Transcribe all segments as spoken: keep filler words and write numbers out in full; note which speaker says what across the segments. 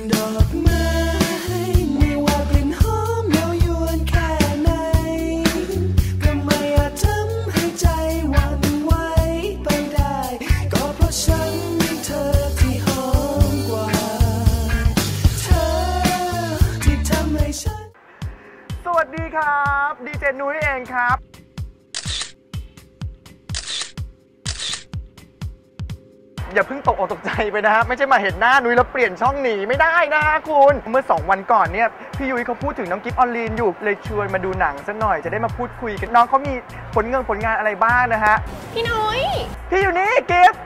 Speaker 1: ดอกไม้ไม่ว่ากลิ่นหอมเย้ายวนแค่ไหนก็ไม่อาจทำให้ใจหวั่นไหวไปได้ก็เพราะฉันมีเธอที่หอมกว่าเธอที่ทำให้ฉัน
Speaker 2: สวัสดีครับดีเจนุ้ยเองครับอย่าเพิ่งตกอกตกใจไปนะฮะไม่ใช่มาเห็นหน้านุ้ยแล้วเปลี่ยนช่องหนีไม่ได้นะคุณเมื่อสองวันก่อนเนี่ยพี่ยุ้ยเขาพูดถึงน้องกิฟต์ออลลีนอยู่เลยชวนมาดูหนังสักหน่อยจะได้มาพูดคุยกันน้องเขามีผลงานผลงานอะไรบ้างนะฮะ
Speaker 3: พี่นุ้ย
Speaker 2: พี่อยู่นี่กิฟต์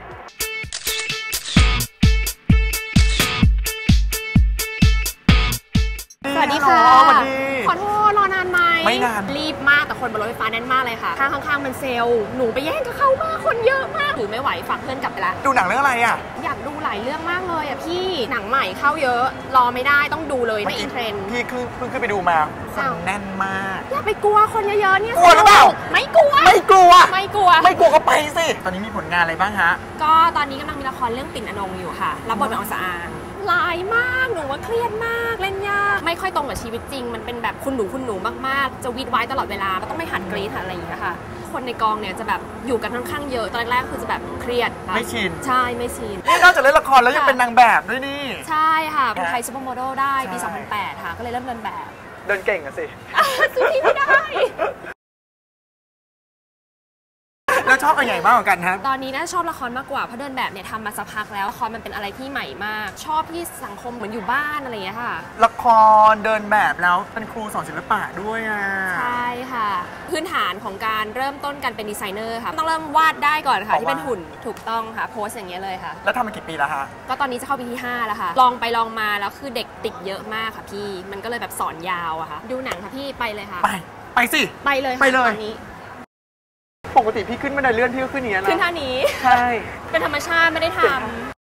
Speaker 3: สวัสดีค่ะ
Speaker 2: สวัสดี
Speaker 3: ขอโทษรอนานไหม
Speaker 2: ไม่นาน
Speaker 3: รีบมากแต่คนบนรถไฟฟ้าแน่นมากเลยค่ะข้างข้างๆมันเซลล์หนูไปแย่งกับเขามากคนเยอะมากถือไม่ไหวฝากเพื่อนกลับไปละ
Speaker 2: ดูหนังเรื่องอะไรอ่ะ
Speaker 3: อยากดูหลายเรื่องมากเลยอ่ะพี่หนังใหม่เข้าเยอะรอไม่ได้ต้องดูเลยไม่อินเทรนด์
Speaker 2: พี่เพิ่งขึ้นไปดูมาคนแน่นมาก
Speaker 3: อย่าไปกลัวคนเยอะๆเนี่ย
Speaker 2: กลัวหรือเปล่า
Speaker 3: ไม่กลัว
Speaker 2: ไม่กลัว
Speaker 3: ไม่กลัว
Speaker 2: ไม่กลัวก็ไปสิตอนนี้มีผลงานอะไรบ้างฮะ
Speaker 3: ก็ตอนนี้กำลังมีละครเรื่องปิ่นอนงอยู่ค่ะรับบทเป็นองสะอางลายมากหนูว่าเครียดมากเล่นยากไม่ค่อยตรงกับชีวิตจริงมันเป็นแบบคุณหนูคุณหนูมากๆจะวีดไว้ตลอดเวลาก็ต้องไม่หัดกรี๊ดอะไรอย่างเงี้ยค่ะคนในกองเนี่ยจะแบบอยู่กันค่อนข้างเยอะตอนแรกคือจะแบบเครียด
Speaker 2: ไม่ชิน
Speaker 3: ใช่ไม่ชิน
Speaker 2: นี่นอกจากเล่นละครแล้วยังเป็นนางแบบด้วยนี่
Speaker 3: ใช่ค่ะเป็นไทยซูเปอร์โมเดลได้ปีสองพันแปดค่ะก็เลยเริ่มเดินแบบ
Speaker 2: เดินเก่งอะสิ
Speaker 3: สู้ที่ไม่ได้
Speaker 2: แล้วชอบอะไรมากกว่ากันครับ
Speaker 3: ตอนนี้น่าชอบละครมากกว่าเพราะเดินแบบเนี่ยทำมาสักพักแล้วละครมันเป็นอะไรที่ใหม่มากชอบที่สังคมเหมือนอยู่บ้านอะไรอย่างเงี้ยค่ะ
Speaker 2: ละครเดินแบบแล้วเป็นครูสอนศิลปะด้วยอ่ะ
Speaker 3: ใช่ค่ะพื้นฐานของการเริ่มต้นการเป็นดีไซเนอร์ค่ะต้องเริ่มวาดได้ก่อนค่ะที่เป็นหุ่นถูกต้องค่ะโพสอย่างเงี้ยเลยค่ะ
Speaker 2: แล้วทำมากี่ปีแล้วคะ
Speaker 3: ก็ตอนนี้จะเข้าปีที่ห้าแล้วค่ะลองไปลองมาแล้วคือเด็กติดเยอะมากค่ะพี่มันก็เลยแบบสอนยาวอะค่ะดูหนังค่ะพี่ไปเลยค่ะ
Speaker 2: ไปไปสิ
Speaker 3: ไปเลย
Speaker 2: ไปเลย
Speaker 3: ตอนนี้
Speaker 2: ปกติพี่ขึ้นบันไดเลื่อนพี่ก็ขึ้นอย่างนี้นะ
Speaker 3: ขึ้นท่านี้
Speaker 2: ใช่
Speaker 3: เป็นธรรมชาติไม่ได้ทำ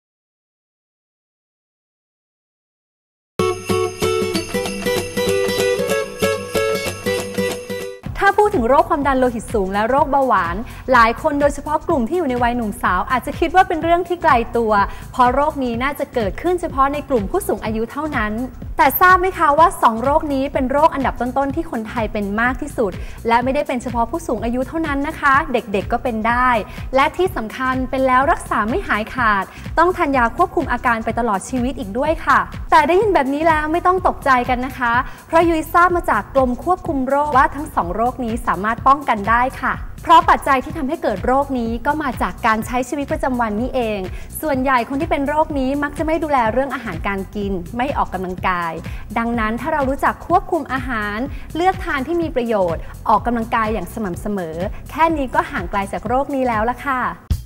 Speaker 4: ถ้าพูดถึงโรคความดันโลหิตสูงและโรคเบาหวานหลายคนโดยเฉพาะกลุ่มที่อยู่ในวัยหนุ่มสาวอาจจะคิดว่าเป็นเรื่องที่ไกลตัวเพราะโรคนี้น่าจะเกิดขึ้นเฉพาะในกลุ่มผู้สูงอายุเท่านั้นแต่ทราบไหมคะว่าสองโรคนี้เป็นโรคอันดับต้นๆที่คนไทยเป็นมากที่สุดและไม่ได้เป็นเฉพาะผู้สูงอายุเท่านั้นนะคะเด็กๆก็เป็นได้และที่สำคัญเป็นแล้วรักษาไม่หายขาดต้องทานยาควบคุมอาการไปตลอดชีวิตอีกด้วยค่ะแต่ได้ยินแบบนี้แล้วไม่ต้องตกใจกันนะคะเพราะยุ้ยทราบมาจากกรมควบคุมโรคว่าทั้งสองโรคนี้สามารถป้องกันได้ค่ะเพราะปัจจัยที่ทำให้เกิดโรคนี้ก็มาจากการใช้ชีวิตประจำวันนี่เองส่วนใหญ่คนที่เป็นโรคนี้มักจะไม่ดูแลเรื่องอาหารการกินไม่ออกกำลังกายดังนั้นถ้าเรารู้จักควบคุมอาหารเลือกทานที่มีประโยชน์ออกกำลังกายอย่างสม่ำเสมอแค่นี้ก็ห่างไกลจากโรคนี้แล้วล่ะค่ะ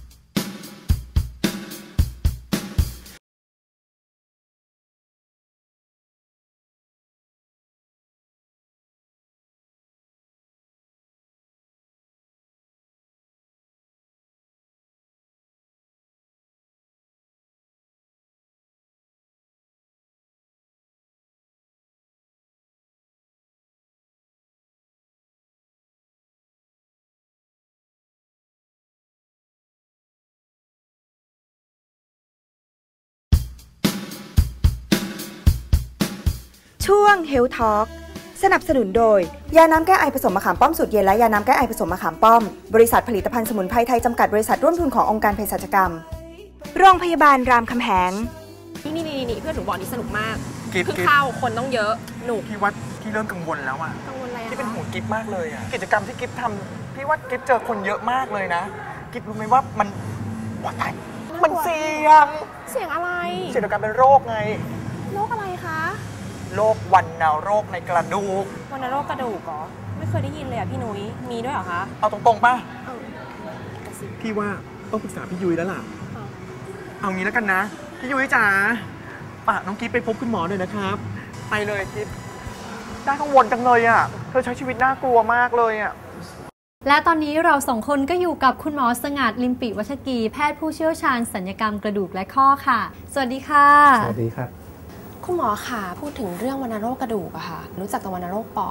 Speaker 5: ช่วง Health Talk สนับสนุนโดยยาน้ำแก้ไอผสมมะขามป้อมสูตรเย็นและยาน้ำแก้ไอผสมมะขามป้อมบริษัทผลิตภัณฑ์สมุนไพรไทยจำกัดบริษัทร่วมทุนขององค์การเภสัชกรรมโรงพยาบาลรามคำแหง
Speaker 3: นี่นี่นี่เพื่อนหนูบอกนี่สนุกมากเพิ่งเข้าคนต้องเยอะหนุก
Speaker 2: พี่ว่าพี่เริ่มกังวลแล้วอ่ะ
Speaker 3: กังวลอะไร
Speaker 2: ที่เป็นห่วงกิฟมากเลยอ่ะกิจกรรมที่กิฟทำพี่ว่ากิฟเจอคนเยอะมากเลยนะกิฟรู้ไหมว่ามันว่าตายมันเสี่ยง
Speaker 3: เสี่ยงอะไร
Speaker 2: เสี่ยงต่อการเป็นโรคไง
Speaker 3: โรคอะไรคะ
Speaker 2: โรควัณโรคในกระดูก
Speaker 3: วัณโรคกระดูกเหรอไม่เคยได้ยินเลยอ่ะพี่นุ้ยมีด้วยเหรอคะ
Speaker 2: เอาตรงๆป่ะพี่ว่าต้องปรึกษาพี่ยุ้ยแล้วล่ะเอางี้แล้วกันนะพี่ยุ้ยจ๋าป่ะน้องกิ๊บไปพบคุณหมอหน่อยนะครับไปเลยกิ๊บน่ากังวลจังเลยอ่ะเธอใช้ชีวิตน่ากลัวมากเลยอ่ะ
Speaker 4: และตอนนี้เราสองคนก็อยู่กับคุณหมอสงัดลิมปิวัชกีแพทย์ผู้เชี่ยวชาญศัลยกรรมกระดูกและข้อค่ะสวัสดีค่ะ
Speaker 6: สวัสดีครับ
Speaker 3: คุณหมอค่ะพูดถึงเรื่องวัณโรคกระดูกอะค่ะรู้จักแต่วัณโรคปอด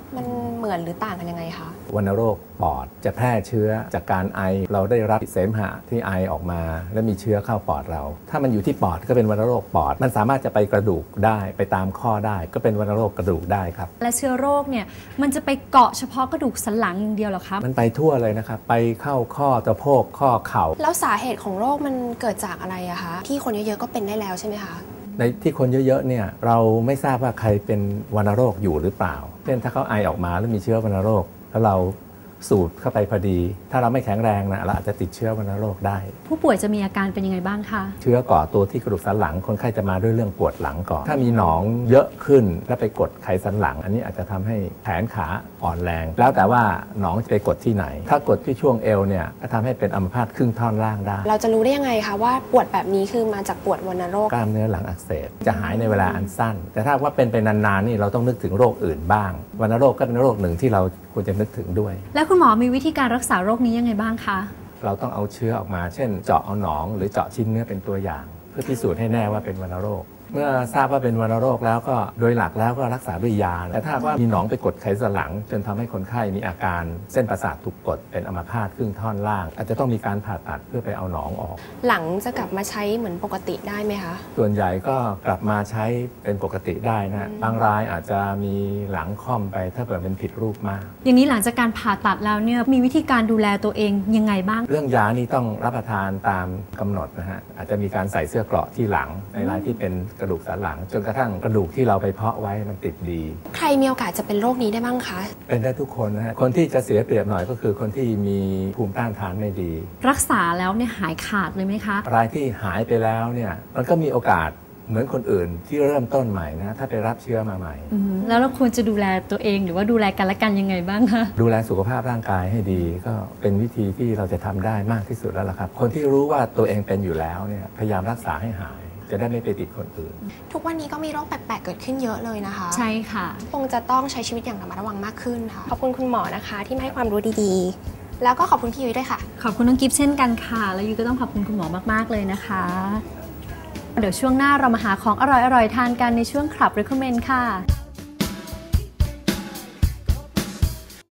Speaker 3: มันเหมือนหรือต่างกันยังไงคะ
Speaker 6: วัณโรคปอดจะแพร่เชื้อจากการไอเราได้รับเสมหะที่ไอออกมาและมีเชื้อเข้าปอดเราถ้ามันอยู่ที่ปอดก็เป็นวัณโรคปอดมันสามารถจะไปกระดูกได้ไปตามข้อได้ก็เป็นวัณโรคกระดูกได้ครับ
Speaker 4: และเชื้อโรคเนี่ยมันจะไปเกาะเฉพาะกระดูกสันหลังอย่างเดียวหรอครับ
Speaker 6: มันไปทั่วเลยนะครับไปเข้าข้อสะโพกข้อเข่า
Speaker 3: แล้วสาเหตุของโรคมันเกิดจากอะไรอะคะที่คนเยอะๆก็เป็นได้แล้วใช่ไหมคะ
Speaker 6: ในที่คนเยอะๆเนี่ยเราไม่ทราบว่าใครเป็นวัณโรคอยู่หรือเปล่าเช่นถ้าเขาไอออกมาแล้วมีเชื้อวัณโรคแล้วเราสูดเข้าไปพอดีถ้าเราไม่แข็งแรงนะเราอาจจะติดเชื้อวัณโรคได้
Speaker 4: ผู้ป่วยจะมีอาการเป็นยังไงบ้างคะ
Speaker 6: เชื้อก่อตัวที่กระดูกสันหลังคนไข้จะมาด้วยเรื่องปวดหลังก่อนถ้ามีหนองเยอะขึ้นแล้วไปกดไขสันหลังอันนี้อาจจะทำให้แขนขาอ่อนแรงแล้วแต่ว่าหนองจะไปกดที่ไหนถ้ากดที่ช่วงเอวเนี่ยก็ทำให้เป็นอัมพาตครึ่งท่อนล่างได้
Speaker 3: เราจะรู้ได้ยังไงคะว่าปวดแบบนี้คือมาจากปวดวัณโรค
Speaker 6: กล้ามเนื้อหลังอักเสบจะหายในเวลาอันสั้นแต่ถ้าว่าเป็นไปนานๆนี่เราต้องนึกถึงโรคอื่นบ้างวัณโรคก็เป็นโรคหนึ่งที่เราควรจะนึกถึงด้วย
Speaker 4: แล้วคุณหมอมีวิธีการรักษาโรคนี้ยังไงบ้างคะ
Speaker 6: เราต้องเอาเชื้อออกมาเช่นเจาะเอาหนองหรือเจาะชิ้นเนื้อเป็นตัวอย่างเพื่อพิสูจน์ให้แน่ว่าเป็นวัณโรคเมื่อทราบว่าเป็นวัณโรคแล้วก็โดยหลักแล้วก็รักษาด้วยยาแต่ถ้าว่ามีหนองไปกดไขสันหลังจนทำให้คนไข้มีอาการเส้นประสาทถูกกดเป็นอัมพาตครึ่งท่อนล่างอาจจะต้องมีการผ่าตัดเพื่อไปเอาหนองออก
Speaker 3: หลังจะกลับมาใช้เหมือนปกติได้ไหมคะ
Speaker 6: ส่วนใหญ่ก็กลับมาใช้เป็นปกติได้นะบางรายอาจจะมีหลังค่อมไปถ้าเกิดเป็นผิดรูปมาก
Speaker 4: อย่างนี้หลังจากการผ่าตัดแล้วเนี่ยมีวิธีการดูแลตัวเองยังไงบ้าง
Speaker 6: เรื่องยานี่ต้องรับประทานตามกำหนดนะฮะอาจจะมีการใส่เสื้อเกราะที่หลังในรายที่เป็นกระดูกสันหลังจนกระทั่งกระดูกที่เราไปเพาะไว้มันติดดี
Speaker 3: ใครมีโอกาสจะเป็นโรคนี้ได้บ้างคะ
Speaker 6: เป็นได้ทุกคนนะฮะคนที่จะเสียเปรียบหน่อยก็คือคนที่มีภูมิต้านทานไม่ดี
Speaker 4: รักษาแล้วเนี่ยหายขาดเลยไหมคะ
Speaker 6: รายที่หายไปแล้วเนี่ยมันก็มีโอกาสเหมือนคนอื่นที่เริ่มต้นใหม่นะถ้าไปรับเชื้อมาใหม่
Speaker 4: แล้วเราควรจะดูแลตัวเองหรือว่าดูแลกันและกันยังไงบ้างคะ
Speaker 6: ดูแลสุขภาพร่างกายให้ดีก็เป็นวิธีที่เราจะทำได้มากที่สุดแล้วล่ะครับคนที่รู้ว่าตัวเองเป็นอยู่แล้วเนี่ยพยายามรักษาให้หายจะได้ไม่ไปติดคนอื่น
Speaker 3: ทุกวันนี้ก็มีโรคแปลกๆเกิดขึ้นเยอะเลยนะคะ
Speaker 4: ใช่ค่ะ
Speaker 3: คงจะต้องใช้ชีวิตอย่างระมัดระวังมากขึ้นค่ะขอบคุณคุณหมอนะคะที่ให้ความรู้ดีๆแล้วก็ขอบคุณพี่ยุ้ยด้วยค่ะ
Speaker 4: ขอบคุณน้องกิฟต์เช่นกันค่ะแล้วยุ้ยก็ต้องขอบคุณคุณหมอมากๆเลยนะคะเดี๋ยวช่วงหน้าเรามาหาของอร่อยๆทานกันในช่วงคลับ Recommend ค่ะ